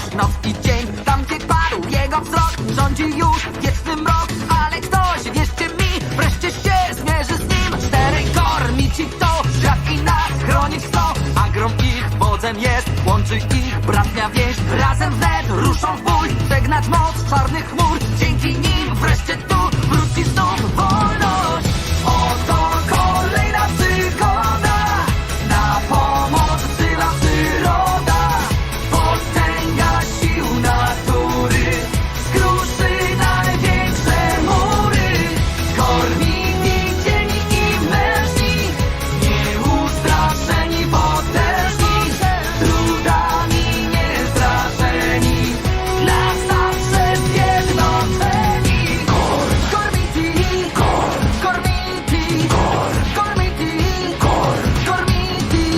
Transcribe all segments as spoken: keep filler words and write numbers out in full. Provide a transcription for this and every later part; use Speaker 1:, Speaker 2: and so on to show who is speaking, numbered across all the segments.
Speaker 1: wciąż noc i dzień. Tam gdzie padł jego wzrok, rządzi już wieczny mrok. Ale ktoś, wierzcie mi, wreszcie się zmierzy z nim. Czterej kormici to świat i nas chronić chcą. Agrom ich wodzem jest, łączy ich bratnia więź. Razem wnet ruszą w bój, przegnać moc czarnych chmur. Dzięki nim wreszcie tu wróci znów wolność. Oto kolejna przygoda, na pomoc wzywa przyroda. Potęga sił natury skruszy największe mury. Kormiti, cieni i mężni, nieustraszeni, potężni, trudami niestraszeni, na zawsze zjednoczeni. Kormiti, kormiti, kormiti, kormiti.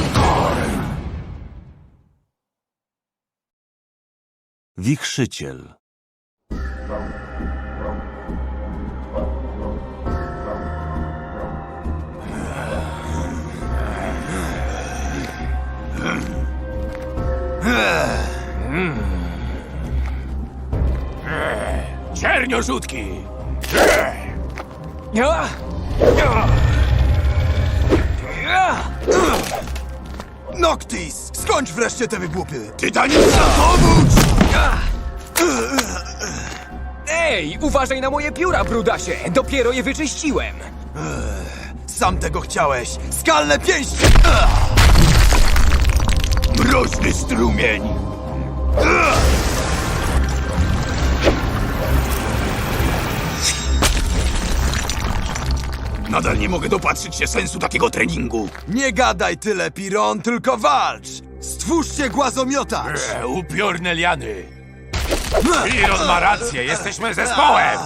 Speaker 2: Wichrzyciel.
Speaker 3: Czerniorzucki!
Speaker 4: Noctis! Skończ wreszcie te wygłupy!
Speaker 3: Tytanica, pomóż!
Speaker 5: Ej, uważaj na moje pióra, brudasie! Dopiero je wyczyściłem!
Speaker 4: Sam tego chciałeś! Skalne pięści!
Speaker 3: Mroźny strumień! Nadal nie mogę dopatrzyć się sensu takiego treningu.
Speaker 4: Nie gadaj tyle, Piron, tylko walcz! Stwórzcie głazomiotacz!
Speaker 3: E, upiorne liany. Piron ma rację, jesteśmy zespołem!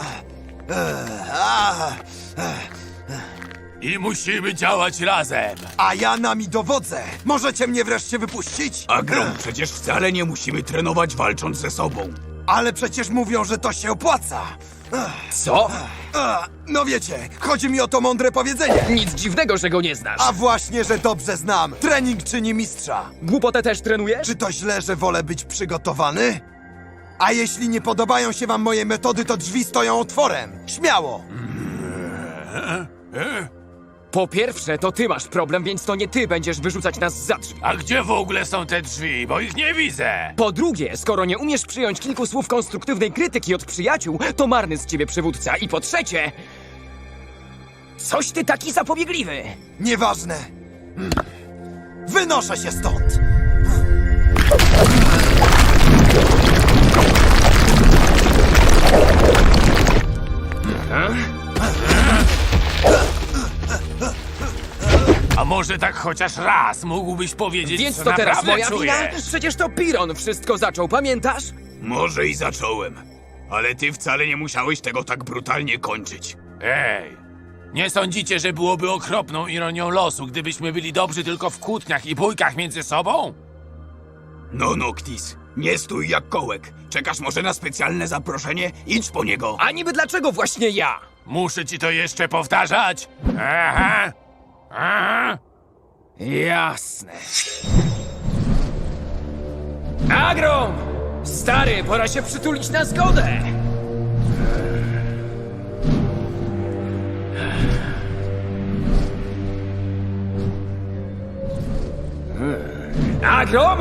Speaker 3: I musimy działać razem.
Speaker 4: A ja nami dowodzę! Możecie mnie wreszcie wypuścić?
Speaker 3: Agrom, przecież wcale nie musimy trenować walcząc ze sobą.
Speaker 4: Ale przecież mówią, że to się opłaca!
Speaker 5: Co?
Speaker 4: A, no wiecie, chodzi mi o to mądre powiedzenie.
Speaker 5: Nic dziwnego, że go nie znasz.
Speaker 4: A właśnie, że dobrze znam. Trening czyni mistrza.
Speaker 5: Głupotę też trenujesz?
Speaker 4: Czy to źle, że wolę być przygotowany? A jeśli nie podobają się wam moje metody, to drzwi stoją otworem. Śmiało!
Speaker 5: Po pierwsze, to ty masz problem, więc to nie ty będziesz wyrzucać nas za drzwi.
Speaker 3: A gdzie w ogóle są te drzwi? Bo ich nie widzę.
Speaker 5: Po drugie, skoro nie umiesz przyjąć kilku słów konstruktywnej krytyki od przyjaciół, to marny z ciebie przywódca. I po trzecie... Coś ty taki zapobiegliwy!
Speaker 4: Nieważne. Hmm. Wynoszę się stąd!
Speaker 3: A może tak chociaż raz mógłbyś powiedzieć,
Speaker 5: Więc
Speaker 3: co
Speaker 5: to teraz
Speaker 3: naprawdę
Speaker 5: moja
Speaker 3: czujesz?
Speaker 5: wina? Przecież to Piron wszystko zaczął, pamiętasz?
Speaker 3: Może i zacząłem, ale ty wcale nie musiałeś tego tak brutalnie kończyć. Ej, nie sądzicie, że byłoby okropną ironią losu, gdybyśmy byli dobrzy tylko w kłótniach i bójkach między sobą? No, Noctis, nie stój jak kołek. Czekasz może na specjalne zaproszenie? Idź po niego.
Speaker 5: A niby dlaczego właśnie ja?
Speaker 3: Muszę ci to jeszcze powtarzać? Aha, aha.
Speaker 5: Jasne. Agrom! Stary, pora się przytulić na zgodę! Agrom?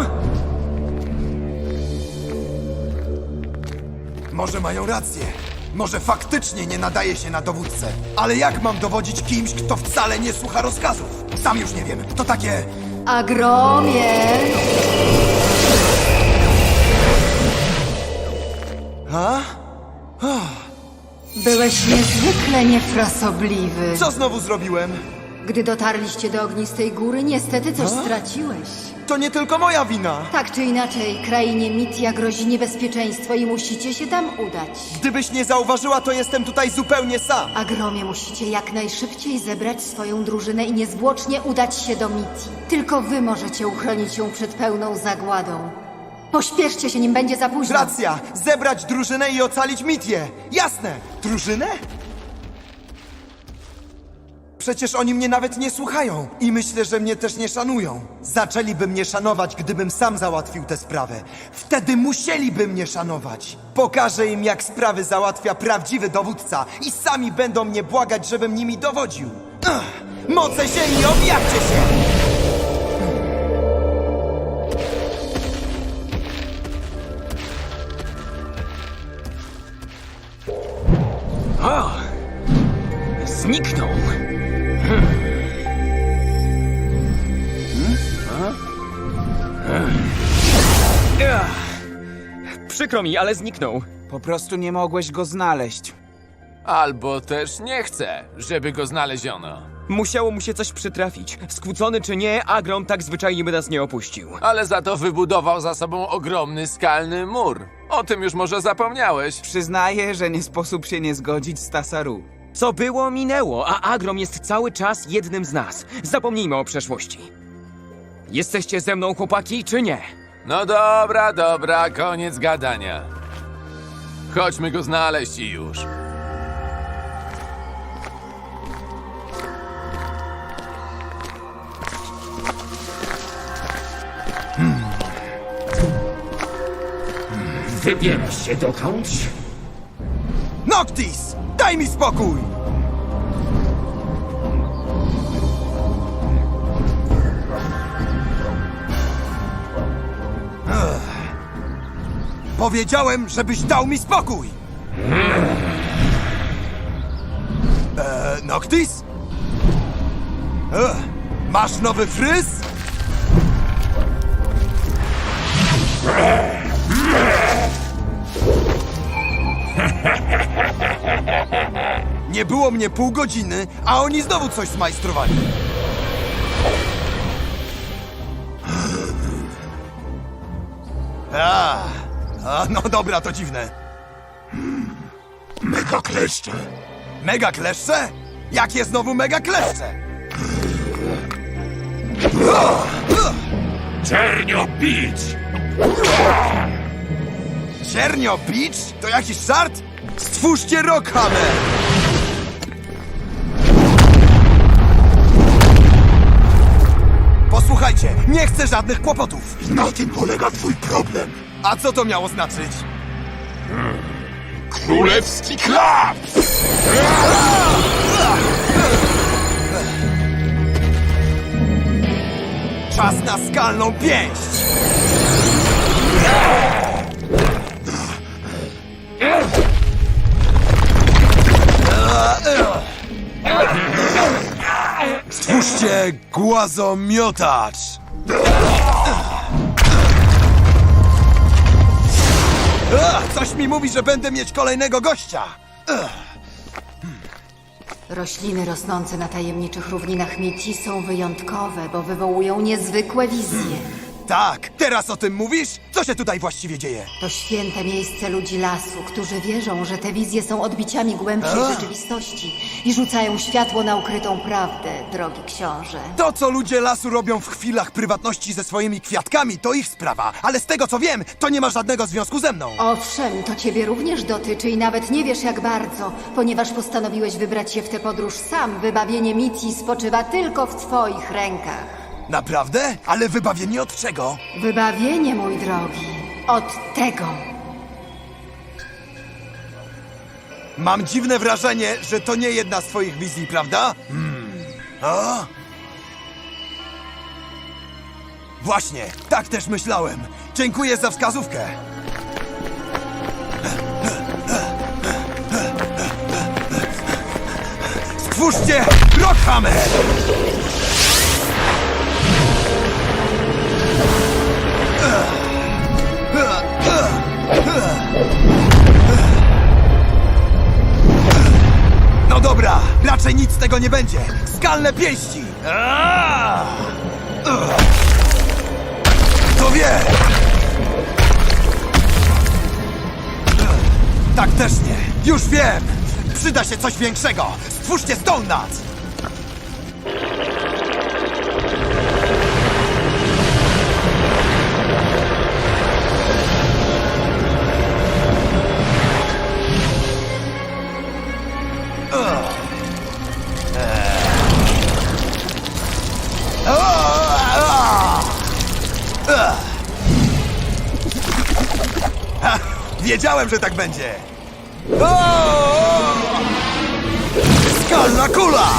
Speaker 4: Może mają rację. Może faktycznie nie nadaje się na dowódcę. Ale jak mam dowodzić kimś, kto wcale nie słucha rozkazów? Sam już nie wiem. To takie...
Speaker 6: Agromie!
Speaker 4: A?
Speaker 6: Byłeś niezwykle niefrasobliwy.
Speaker 4: Co znowu zrobiłem?
Speaker 6: Gdy dotarliście do ognistej góry, niestety coś straciłeś.
Speaker 4: To nie tylko moja wina.
Speaker 6: Tak czy inaczej, krainie Mitia grozi niebezpieczeństwo i musicie się tam udać.
Speaker 4: Gdybyś nie zauważyła, to jestem tutaj zupełnie sam.
Speaker 6: Agromie, musicie jak najszybciej zebrać swoją drużynę i niezwłocznie udać się do Miti. Tylko wy możecie uchronić ją przed pełną zagładą. Pośpieszcie się, nim będzie za późno.
Speaker 4: Racja! Zebrać drużynę i ocalić Mitię! Jasne! Drużynę? Przecież oni mnie nawet nie słuchają i myślę, że mnie też nie szanują. Zaczęliby mnie szanować, gdybym sam załatwił tę sprawę. Wtedy musieliby mnie szanować. Pokażę im, jak sprawy załatwia prawdziwy dowódca i sami będą mnie błagać, żebym nimi dowodził. Ach, moce ziemi, objawcie się!
Speaker 5: O! Zniknął. Ach. Przykro mi, ale zniknął.
Speaker 7: Po prostu nie mogłeś go znaleźć.
Speaker 3: Albo też nie chcę, żeby go znaleziono.
Speaker 5: Musiało mu się coś przytrafić. Skłócony czy nie, Agron tak zwyczajnie by nas nie opuścił.
Speaker 3: Ale za to wybudował za sobą ogromny skalny mur. O tym już może zapomniałeś.
Speaker 7: Przyznaję, że nie sposób się nie zgodzić z Tasaru.
Speaker 5: Co było, minęło, a Agrom jest cały czas jednym z nas. Zapomnijmy o przeszłości. Jesteście ze mną, chłopaki, czy nie?
Speaker 3: No dobra, dobra, koniec gadania. Chodźmy go znaleźć i już.
Speaker 5: Wybierasz się dokądś?
Speaker 4: Noctis! Daj mi spokój! Ech. Powiedziałem, żebyś dał mi spokój! Eee, Noctis? Ech. Masz nowy fryz? Nie było mnie pół godziny, a oni znowu coś zmajstrowali. A, a, no dobra, to dziwne.
Speaker 8: Mega kleszcze.
Speaker 4: Mega kleszcze? Jakie znowu mega kleszcze?
Speaker 8: Czernio bić!
Speaker 4: Ciernio Beach? To jakiś żart? Stwórzcie Rockhammer! Posłuchajcie, nie chcę żadnych kłopotów.
Speaker 8: Na tym polega twój problem.
Speaker 4: A co to miało znaczyć?
Speaker 8: Królewski klaps!
Speaker 4: Czas na skalną pięść! Stwórzcie głazomiotacz! Ach, coś mi mówi, że będę mieć kolejnego gościa!
Speaker 6: Rośliny rosnące na tajemniczych równinach Miti są wyjątkowe, bo wywołują niezwykłe wizje.
Speaker 4: Tak, teraz o tym mówisz? Co się tutaj właściwie dzieje?
Speaker 6: To święte miejsce ludzi lasu, którzy wierzą, że te wizje są odbiciami głębszej
Speaker 4: A.
Speaker 6: rzeczywistości i rzucają światło na ukrytą prawdę, drogi książę.
Speaker 4: To, co ludzie lasu robią w chwilach prywatności ze swoimi kwiatkami, to ich sprawa, ale z tego co wiem, to nie ma żadnego związku ze mną.
Speaker 6: Owszem, to ciebie również dotyczy i nawet nie wiesz jak bardzo, ponieważ postanowiłeś wybrać się w tę podróż sam. Wybawienie Miti spoczywa tylko w twoich rękach.
Speaker 4: Naprawdę? Ale wybawienie od czego?
Speaker 6: Wybawienie, mój drogi, od tego.
Speaker 4: Mam dziwne wrażenie, że to nie jedna z twoich wizji, prawda? Hmm. O? Właśnie, tak też myślałem. Dziękuję za wskazówkę. Stwórzcie Rockhammer! No dobra, raczej nic z tego nie będzie. Skalne pięści! Aaaa! Ugh. Kto wie? Ugh. Tak też nie. Już wiem! Przyda się coś większego. Stwórzcie Stone Nuts! Wiedziałem, że tak będzie! O! Skalna kula!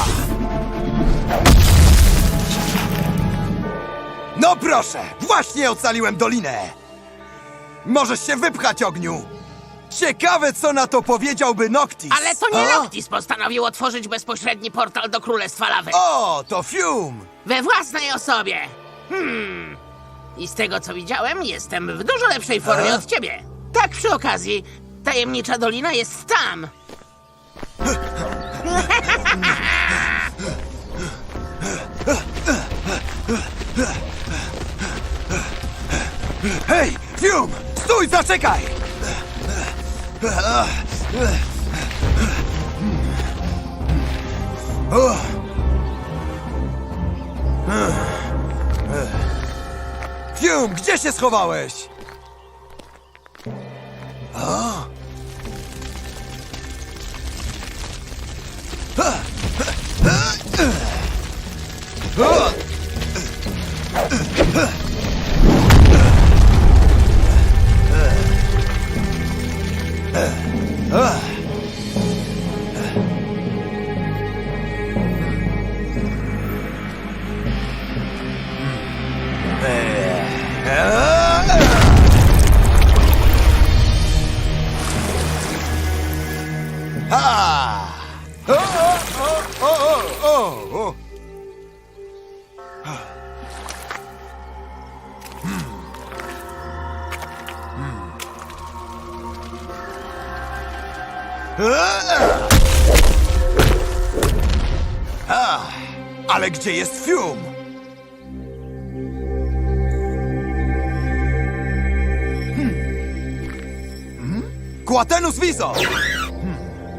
Speaker 4: No proszę! Właśnie ocaliłem dolinę! Możesz się wypchać, ogniu! Ciekawe, co na to powiedziałby Noctis!
Speaker 9: Ale to nie
Speaker 4: O!
Speaker 9: Noctis postanowił otworzyć bezpośredni portal do Królestwa Lawy.
Speaker 4: O, to Fium!
Speaker 9: We własnej osobie. Hmm. I z tego, co widziałem, jestem w dużo lepszej formie
Speaker 4: A?
Speaker 9: od ciebie. Tak przy okazji, tajemnicza dolina jest tam.
Speaker 4: Hej, Fium! Stój, zaczekaj! O! Fium, gdzie się schowałeś? O! O! Ha! O, o, o, o, o, o. A, ale gdzie jest Fium? Hmm. Hmm? Quatenus Viso! Hmm.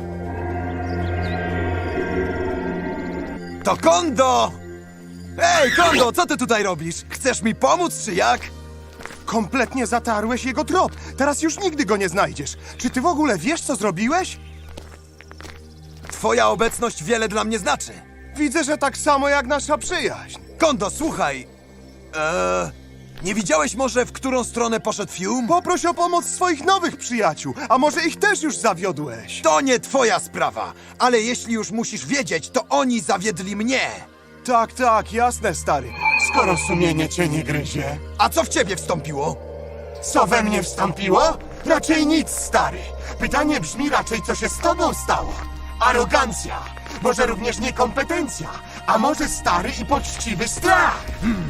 Speaker 4: To Kondo! Ej, Kondo, co ty tutaj robisz? Chcesz mi pomóc, czy jak?
Speaker 10: Kompletnie zatarłeś jego trop. Teraz już nigdy go nie znajdziesz. Czy ty w ogóle wiesz, co zrobiłeś?
Speaker 4: Twoja obecność wiele dla mnie znaczy.
Speaker 10: Widzę, że tak samo jak nasza przyjaźń.
Speaker 4: Kondo, słuchaj. Eee, nie widziałeś może, w którą stronę poszedł Fium?
Speaker 10: Poproś o pomoc swoich nowych przyjaciół, a może ich też już zawiodłeś?
Speaker 4: To nie twoja sprawa, ale jeśli już musisz wiedzieć, to oni zawiedli mnie.
Speaker 10: Tak, tak, jasne, stary. Skoro sumienie cię nie gryzie.
Speaker 4: A co w ciebie wstąpiło?
Speaker 10: Co we mnie wstąpiło? Raczej nic, stary. Pytanie brzmi raczej, co się z tobą stało. Arogancja, może również niekompetencja, a może stary i poczciwy strach.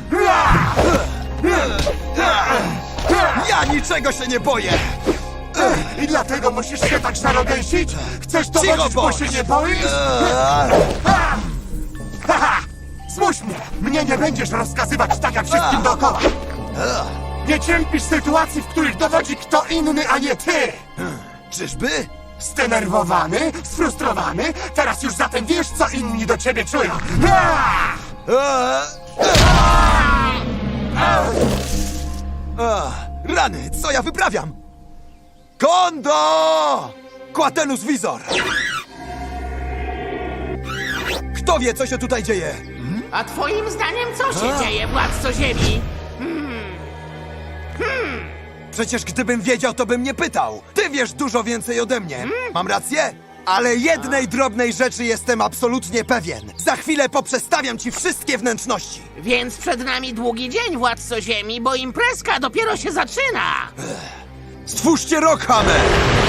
Speaker 4: Ja niczego się nie boję!
Speaker 10: I dlatego musisz się tak szarogęsić? Chcesz to
Speaker 4: Cicho
Speaker 10: bo
Speaker 4: bądź!
Speaker 10: się nie boisz? Haha! Zmuś mnie! Mnie nie będziesz rozkazywać tak jak wszystkim dookoła! Nie cierpisz sytuacji, w których dowodzi kto inny, a nie ty!
Speaker 4: Czyżby?
Speaker 10: Zdenerwowany? Sfrustrowany? Teraz już zatem wiesz, co inni do ciebie czują!
Speaker 4: Eee, Ach, rany, co ja wyprawiam? Kondo! Quatenus Visor! Kto wie, co się tutaj dzieje?
Speaker 9: A twoim zdaniem co się dzieje, władco Ziemi?
Speaker 4: Przecież gdybym wiedział, to bym nie pytał. Ty wiesz dużo więcej ode mnie. Mam rację? Ale jednej drobnej rzeczy jestem absolutnie pewien. Za chwilę poprzestawiam ci wszystkie wnętrzności.
Speaker 9: Więc przed nami długi dzień, władco Ziemi, bo imprezka dopiero się zaczyna.
Speaker 4: Stwórzcie Rockhammer!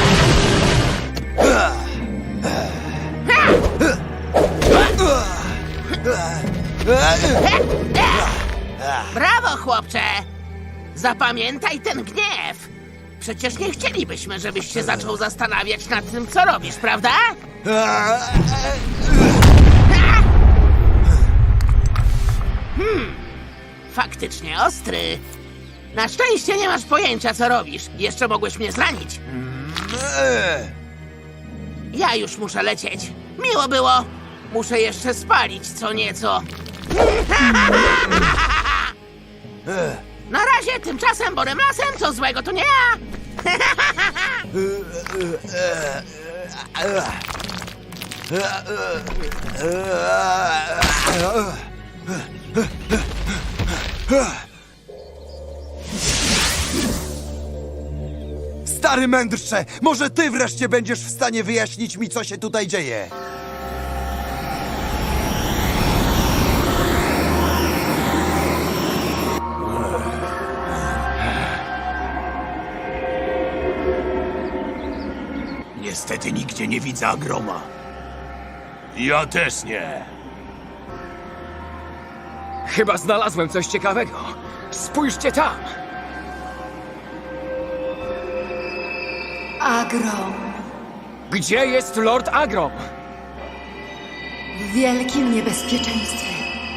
Speaker 9: Brawo, chłopcze! Zapamiętaj ten gniew. Przecież nie chcielibyśmy, żebyś się zaczął zastanawiać nad tym, co robisz, prawda? Hmm, faktycznie ostry. Na szczęście nie masz pojęcia, co robisz. Jeszcze mogłeś mnie zranić. Ja już muszę lecieć. Miło było. Muszę jeszcze spalić co nieco. Na razie, tymczasem Borem Lasem, co złego to nie ja.
Speaker 4: Stary mędrcze, może ty wreszcie będziesz w stanie wyjaśnić mi, co się tutaj dzieje.
Speaker 3: Niestety nigdzie nie widzę Agroma. Ja też nie.
Speaker 5: Chyba znalazłem coś ciekawego. Spójrzcie tam!
Speaker 6: Agrom.
Speaker 5: Gdzie jest Lord Agrom?
Speaker 6: W wielkim niebezpieczeństwie.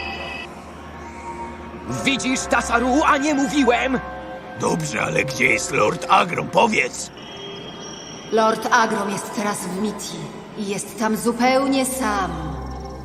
Speaker 5: Widzisz, Tasaru, a nie mówiłem?
Speaker 3: Dobrze, ale gdzie jest Lord Agrom? Powiedz!
Speaker 6: Lord Agrom jest teraz w Miti i jest tam zupełnie sam.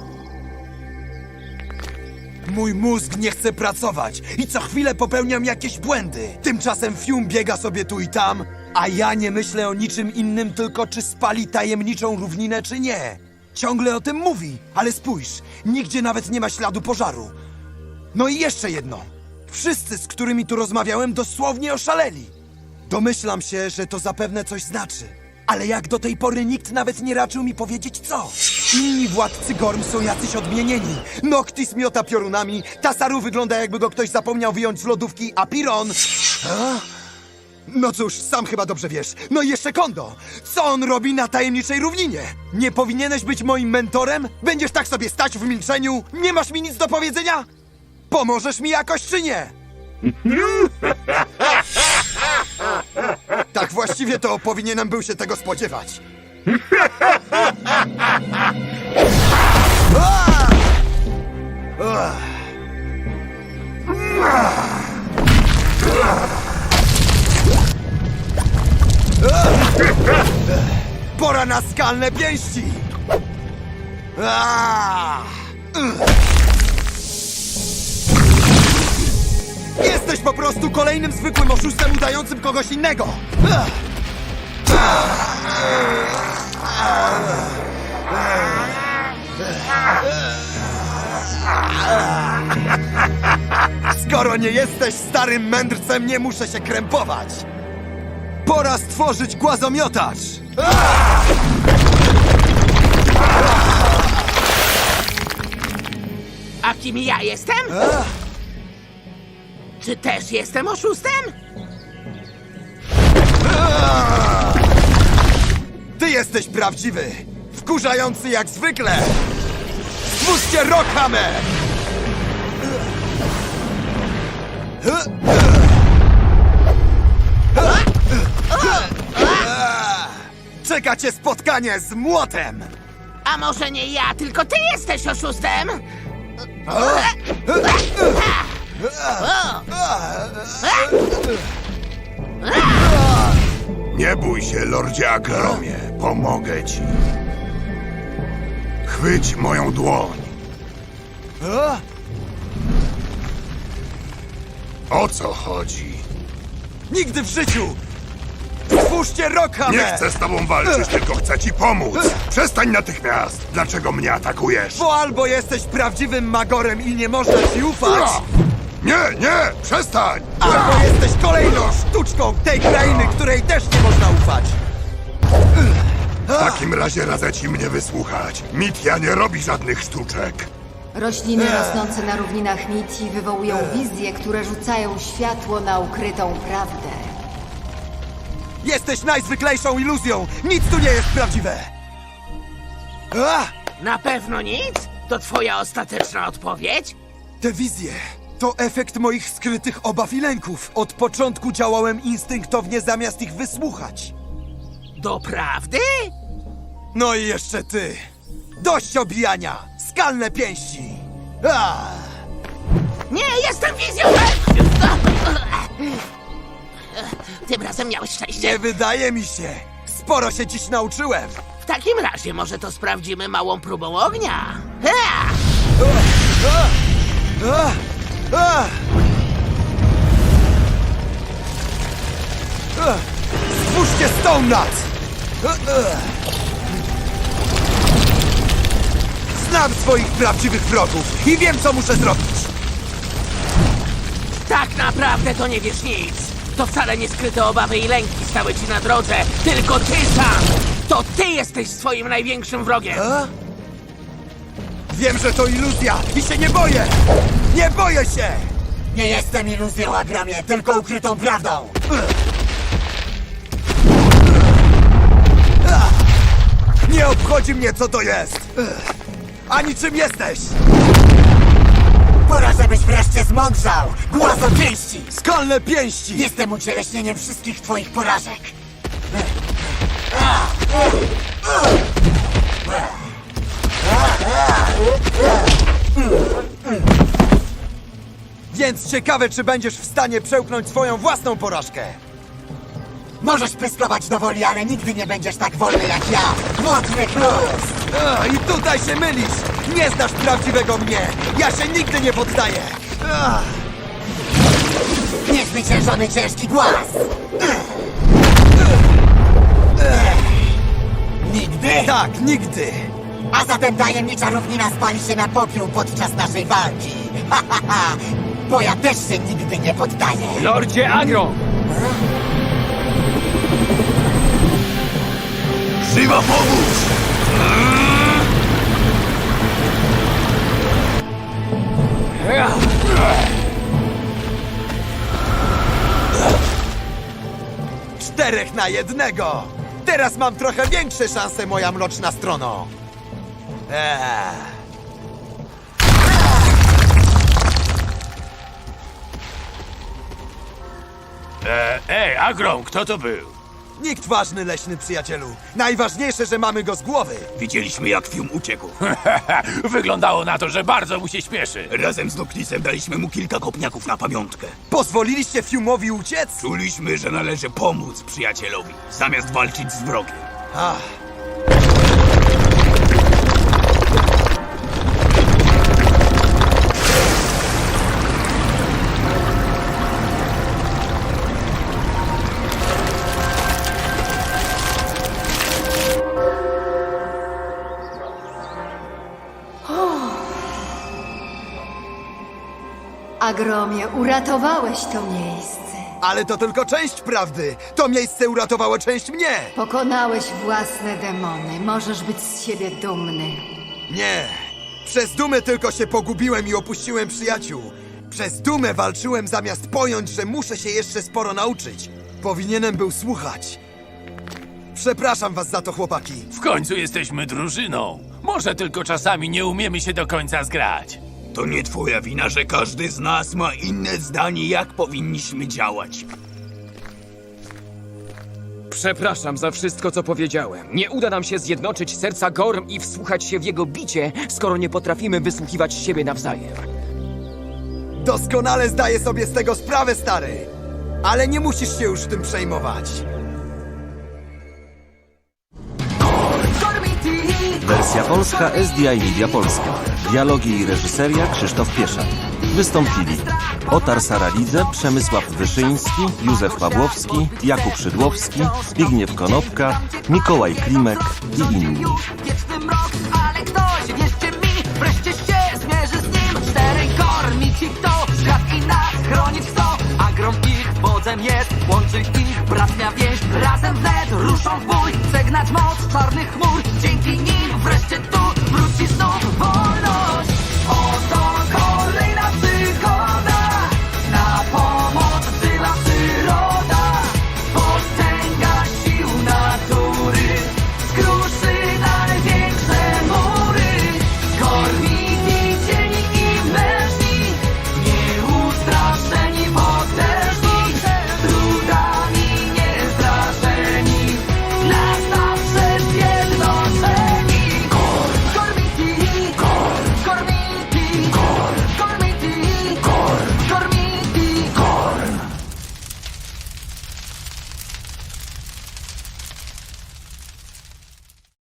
Speaker 4: Mój mózg nie chce pracować i co chwilę popełniam jakieś błędy. Tymczasem Fium biega sobie tu i tam, a ja nie myślę o niczym innym, tylko czy spali tajemniczą równinę, czy nie. Ciągle o tym mówi, ale spójrz, nigdzie nawet nie ma śladu pożaru. No i jeszcze jedno. Wszyscy, z którymi tu rozmawiałem, dosłownie oszaleli. Domyślam się, że to zapewne coś znaczy. Ale jak do tej pory nikt nawet nie raczył mi powiedzieć co. Inni władcy Gorm są jacyś odmienieni. Noctis miota piorunami, Tasaru wygląda jakby go ktoś zapomniał wyjąć z lodówki, a Piron... A? No cóż, sam chyba dobrze wiesz. No i jeszcze Kondo. Co on robi na tajemniczej równinie? Nie powinieneś być moim mentorem? Będziesz tak sobie stać w milczeniu? Nie masz mi nic do powiedzenia? Pomożesz mi jakoś czy nie? Tak właściwie to powinienem był się tego spodziewać. A! A! Pora na skalne pięści! A! Jesteś po prostu kolejnym zwykłym oszustem udającym kogoś innego! Skoro nie jesteś starym mędrcem, nie muszę się krępować! Pora stworzyć głazomiotacz!
Speaker 9: A kim ja jestem? Czy też jestem oszustem?
Speaker 4: Ty jesteś prawdziwy! Wkurzający jak zwykle! Spójrzcie Rockhammer! Czeka cię spotkanie z młotem!
Speaker 9: A może nie ja, tylko ty jesteś oszustem?
Speaker 8: Nie bój się, Lordzie Agromie. Pomogę ci. Chwyć moją dłoń. O co chodzi?
Speaker 4: Nigdy w życiu! Stwórzcie Rockhammer!
Speaker 8: Nie chcę z tobą walczyć, tylko chcę ci pomóc. Przestań natychmiast. Dlaczego mnie atakujesz?
Speaker 4: Bo albo jesteś prawdziwym magorem i nie można ci ufać,
Speaker 8: Nie, nie, przestań!
Speaker 4: albo jesteś kolejną sztuczką tej krainy, której też nie można ufać!
Speaker 8: W takim razie radzę ci mnie wysłuchać. Mitia nie robi żadnych sztuczek.
Speaker 6: Rośliny rosnące na równinach Miti wywołują wizje, które rzucają światło na ukrytą prawdę.
Speaker 4: Jesteś najzwyklejszą iluzją! Nic tu nie jest prawdziwe! A!
Speaker 9: Na pewno nic? To twoja ostateczna odpowiedź?
Speaker 4: Te wizje to efekt moich skrytych obaw i lęków. Od początku działałem instynktownie zamiast ich wysłuchać.
Speaker 9: Doprawdy?
Speaker 4: No i jeszcze ty! Dość obijania! Skalne pięści! A!
Speaker 9: Nie, jestem wizjonerem! Tym razem miałeś szczęście.
Speaker 4: Nie wydaje mi się! Sporo się dziś nauczyłem!
Speaker 9: W takim razie może to sprawdzimy małą próbą ognia. Ha!
Speaker 4: A! A! A! Stwórzcie Stone Nuts! A! A! Znam swoich prawdziwych wrogów i wiem, co muszę zrobić!
Speaker 9: Tak naprawdę to nie wiesz nic. To wcale nie skryte obawy i lęki stały ci na drodze, tylko ty sam! To ty jesteś swoim największym wrogiem!
Speaker 4: A? Wiem, że to iluzja i się nie boję! Nie boję się!
Speaker 10: Nie jestem iluzją, Agramie, tylko ukrytą prawdą.
Speaker 4: Nie obchodzi mnie, co to jest! Ani czym jesteś!
Speaker 10: Pora, żebyś wreszcie zmądrzał. Głos o pięści.
Speaker 4: Skalne pięści!
Speaker 10: Jestem ucieleśnieniem wszystkich twoich porażek.
Speaker 4: Więc ciekawe, czy będziesz w stanie przełknąć swoją własną porażkę!
Speaker 10: Możesz pyskować do woli, ale nigdy nie będziesz tak wolny jak ja. Mokry chrust.
Speaker 4: A, I tutaj się mylisz! Nie znasz prawdziwego mnie! Ja się nigdy nie poddaję! A,
Speaker 10: Niezwyciężony ciężki głaz. Nigdy?
Speaker 4: tak, nigdy!
Speaker 10: A zatem tajemnicza równina spali się na popiół podczas naszej walki. Ha, ha, ha. Bo ja też się nigdy nie poddaję.
Speaker 5: Lordzie Agro!
Speaker 3: Żywa pomóż!
Speaker 4: Czterech na jednego! Teraz mam trochę większe szanse, moja mroczna strono! Eee.
Speaker 3: E, ej, Agrom, kto to był?
Speaker 4: Nikt ważny, leśny przyjacielu. Najważniejsze, że mamy go z głowy.
Speaker 3: Widzieliśmy, jak Fium uciekł. Wyglądało na to, że bardzo mu się śpieszy. Razem z Noklisem daliśmy mu kilka kopniaków na pamiątkę.
Speaker 4: Pozwoliliście Fiumowi uciec?
Speaker 3: Czuliśmy, że należy pomóc przyjacielowi, zamiast walczyć z wrogiem.
Speaker 4: Ach.
Speaker 6: Agromie, uratowałeś to miejsce.
Speaker 4: Ale to tylko część prawdy. To miejsce uratowało część mnie.
Speaker 6: Pokonałeś własne demony. Możesz być z siebie dumny.
Speaker 4: Nie. Przez dumę tylko się pogubiłem i opuściłem przyjaciół. Przez dumę walczyłem zamiast pojąć, że muszę się jeszcze sporo nauczyć. Powinienem był słuchać. Przepraszam was za to, chłopaki.
Speaker 3: W końcu jesteśmy drużyną. Może tylko czasami nie umiemy się do końca zgrać. To nie twoja wina, że każdy z nas ma inne zdanie, jak powinniśmy działać.
Speaker 5: Przepraszam za wszystko, co powiedziałem. Nie uda nam się zjednoczyć serca Gorm i wsłuchać się w jego bicie, skoro nie potrafimy wysłuchiwać siebie nawzajem.
Speaker 4: Doskonale zdaję sobie z tego sprawę, stary. Ale nie musisz się już tym przejmować.
Speaker 2: Wersja polska S D I Media Polska. Dialogi i reżyseria Krzysztof Pieszak. Wystąpili Otar Saralidze, Przemysław Wyszyński, Józef Pawłowski, Jakub Szydłowski, Zbigniew Konopka, Mikołaj Klimek i inni.
Speaker 1: Wieczny mrok, ale ktoś, wierzcie mi, wreszcie się zmierzy z nim. Czterej kormi ci kto, świat i nas chronić kto. Agrom ich wodzem jest, łączy ich bratnia więź. Razem wnet ruszą w bój, przegnać moc czarnych chmur.